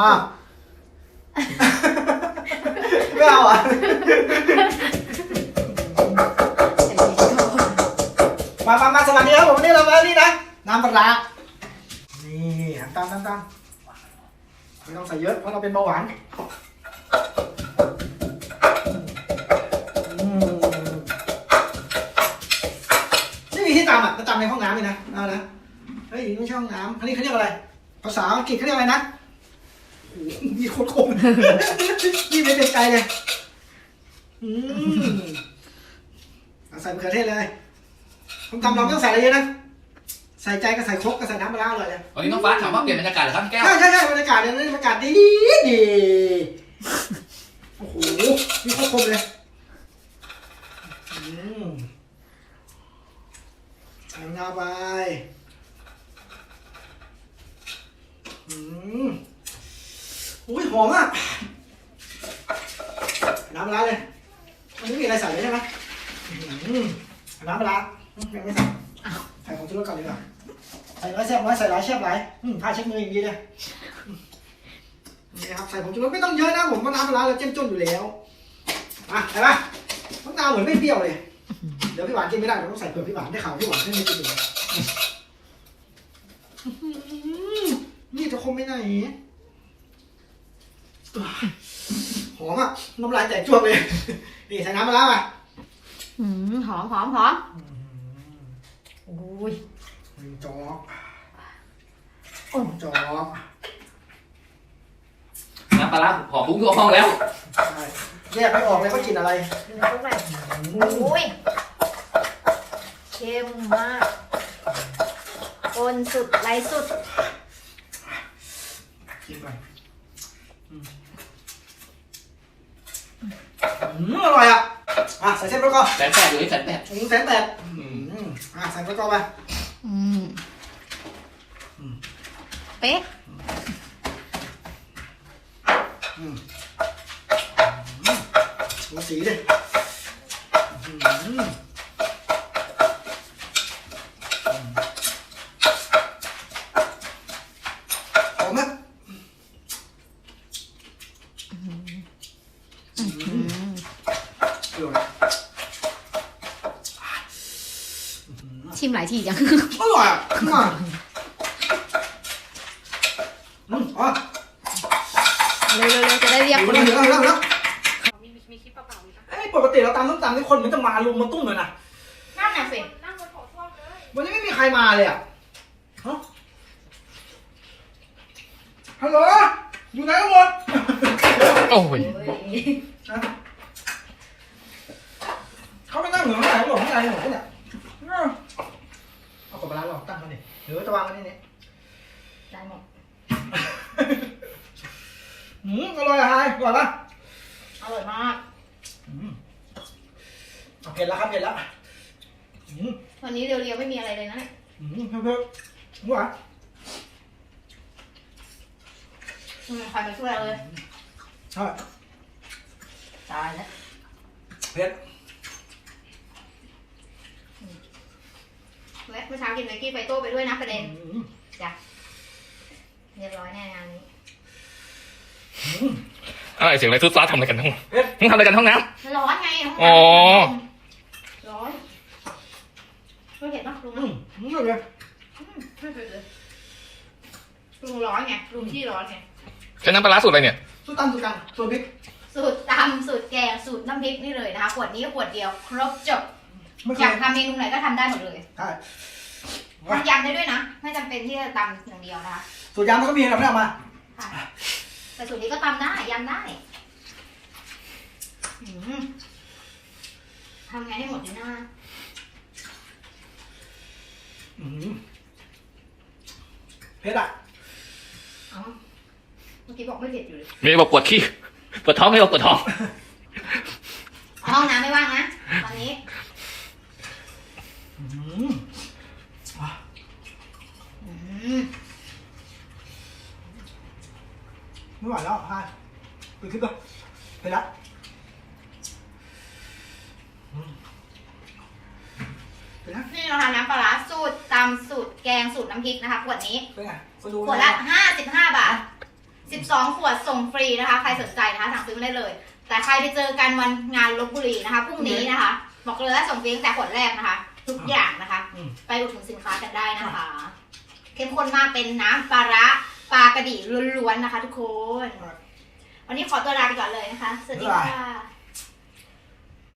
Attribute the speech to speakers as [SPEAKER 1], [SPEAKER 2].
[SPEAKER 1] ไม่เอาอ่ะมาสวัสดีครับผมวันนี้เรามานี่นะน้ำปลานี่ตามไม่ต้องใส่เยอะเพราะเราเป็นเบาหวานไม่มีที่ตำอ่ะตำในห้องน้ำเลยนะเอานะเฮ้ยไม่ใช่ห้องน้ำอันนี้เขาเรียกอะไรภาษาอังกฤษเขาเรียกอะไรนะมีโคตรคมนี่ไม่เป็นไกลเลยใส่มะเขือเทศเลยต้องทำเราไม่ต้องใส่อะไรเยอะนะใส่ใจก็ใส่ครกก็ใส่น้ำปลาอร่อยเลย
[SPEAKER 2] วันนี้น้องฟ้าถามว่าเปลี่ยนบรรยากาศเหรอครับแก้ว
[SPEAKER 1] ใช่บรรยากาศเนี่ยบรรยากาศดีโอ้โหนี่โคตรคมเลยใส่งาไปอุ้ยหอมอ่ะน้ำปลาเลยมันไม่มีอะไรใส่เลยใช่ไหมน้ำปลายังไม่ใส่ใส่ของชูรสก่อนดีกว่าใส่น้อยแซ่บน้อยใส่หลายแซ่บหลายผ้าเช็ดมืออย่างดีเลยนี่ครับใส่ผงชูรสไม่ต้องเยอะนะผมว่าน้ำปลาเราเจ้มจนอยู่แล้วเห็นปะน้ำตาเหมือนไม่เปรี้ยวเลยเดี๋ยวพี่หวานกินไม่ได้เราต้องใส่เปลือกพี่หวานได้ข่าวพี่หวานไม่กินอยู่นี่จะคมไม่ไหนหอมอ่ะน้ำลายแตกจ้วงเลยนี่ใส่น้ำปลาไป
[SPEAKER 3] หอมโอ้ย
[SPEAKER 1] จอก
[SPEAKER 2] น้ำปลาหอมฟุ้งทั่วห้องแล้ว
[SPEAKER 1] แยกไม่ออกเลยว่ากินอะไร
[SPEAKER 3] โอ้ยเค็มมากปนสุดไรสุด
[SPEAKER 1] กินไปอร่อยอ่ะใส่เส้นประกอบ
[SPEAKER 2] แสนแปดอยู่ที่แสนแปด
[SPEAKER 1] แสนแปดใส่ประกอบไป
[SPEAKER 3] เป๊ะ
[SPEAKER 1] ดูสีดิหอมไหม
[SPEAKER 3] ชิมหลายทีจัง
[SPEAKER 1] อร่อยอ่ะมา
[SPEAKER 3] เร็วจะได้เรียก
[SPEAKER 1] คนแล้วมีคลิปเปล่าๆปกติเราตำต้องตำให้คนมันจะมาลุมมาตุ้มเลยนะ
[SPEAKER 3] นั่นน่ะสิ
[SPEAKER 1] วันนี้ไม่มีใครมาเลยอ่ะฮัลโหลอยู่ไหนกันหมด
[SPEAKER 2] โอ้ย
[SPEAKER 1] เขาไม่นั่งเหนือข้างไหนหรอกข้างในหรอกเนี่ยเอาของปลาหลอกตั้งเขาดิหรือจะวางไว้นี่เนี่ย
[SPEAKER 3] ได้หมด
[SPEAKER 1] อร่อยอะไฮอร่อยปะ
[SPEAKER 3] อร่อยมาก
[SPEAKER 1] เผ็ดแล้วครับเผ็ดแล้ว
[SPEAKER 3] วันนี้เรียวๆไม่มีอะไรเลยนะเนี่ย
[SPEAKER 1] เผ็ดหวาน
[SPEAKER 3] ใครมาช่วยเราเลย
[SPEAKER 1] ใช่
[SPEAKER 3] ตายแล้ว
[SPEAKER 1] เผ็ด
[SPEAKER 3] เมื่อเช้ากินไมกี้ไฟโต้ไปด้วยนะประเด็นจ้ะเรียบร้อยแน่งานนี้
[SPEAKER 2] อะไรเสียงอะไรซุดซ้าทำอะไรกันห้องทำอะไรกันห้องน้
[SPEAKER 3] ำร้อนไง
[SPEAKER 2] อ๋อ
[SPEAKER 3] ร้อนไม่เผ็ดปะลุง
[SPEAKER 1] ไม่เลย
[SPEAKER 3] ไม่เผ็ดเลยลุงร้อนไงลุงที่ร้อนไง
[SPEAKER 2] ใช้น้ำปลาสูตรอะไรเนี่ย
[SPEAKER 1] สูตรตำสูตรกันสูตรพริก
[SPEAKER 3] สูตรตำสูตรแกงสูตรน้ำพริกนี่เลยนะคะขวดนี้ขวดเดียวครบจบอยากทำเมนูไหนก็ทำได้หมดเลย
[SPEAKER 1] ใช่
[SPEAKER 3] ทำยำได้ด้วยนะไม่จำเป็นที่จะตำอย่างเดียวนะคะ
[SPEAKER 1] สูตรยำมันก็มีเราไม่เอามา
[SPEAKER 3] แต่สูตรนี้ก็ตำได้ยำได้ทำไงให้หมดดีหน้า
[SPEAKER 1] เผ็ดอ่ะ
[SPEAKER 3] เมื่อกี้บอกไม่เผ็ดอยู่เลย
[SPEAKER 2] มีบอกปวดขี้ปวดท้องไม่บอกปวดท้อง
[SPEAKER 3] ห้องน้ำไม่ว่างนะตอนนี้
[SPEAKER 1] ไม่ไหวแล้วฮะไปขึ้นก่อนไปละ
[SPEAKER 3] นี่เราทำน้ำปลาสูตรตำสูตรแกงสูตรน้ำพริกนะคะขวดนี้
[SPEAKER 1] เป็นไง
[SPEAKER 3] ขวดละ55 บาท 12 ขวดส่งฟรีนะคะ ใครสนใจนะคะสั่งซื้อมาได้เลย แต่ใครไปเจอกันวันงานลพบุรีนะคะพรุ่งนี้นะคะบอกเลยว่าส่งฟรีตั้งแต่ขวดแรกนะคะ ทุกอย่างนะคะ ไปอุดหนุนสินค้ากันได้นะคะ เข้มข้นมากเป็นน้ำปลาร้าปลากระดี่ล้วนๆนะคะ ทุกคน วันนี้ขอตัวลาไปก่อนเลยนะคะ สวัสดีค่ะ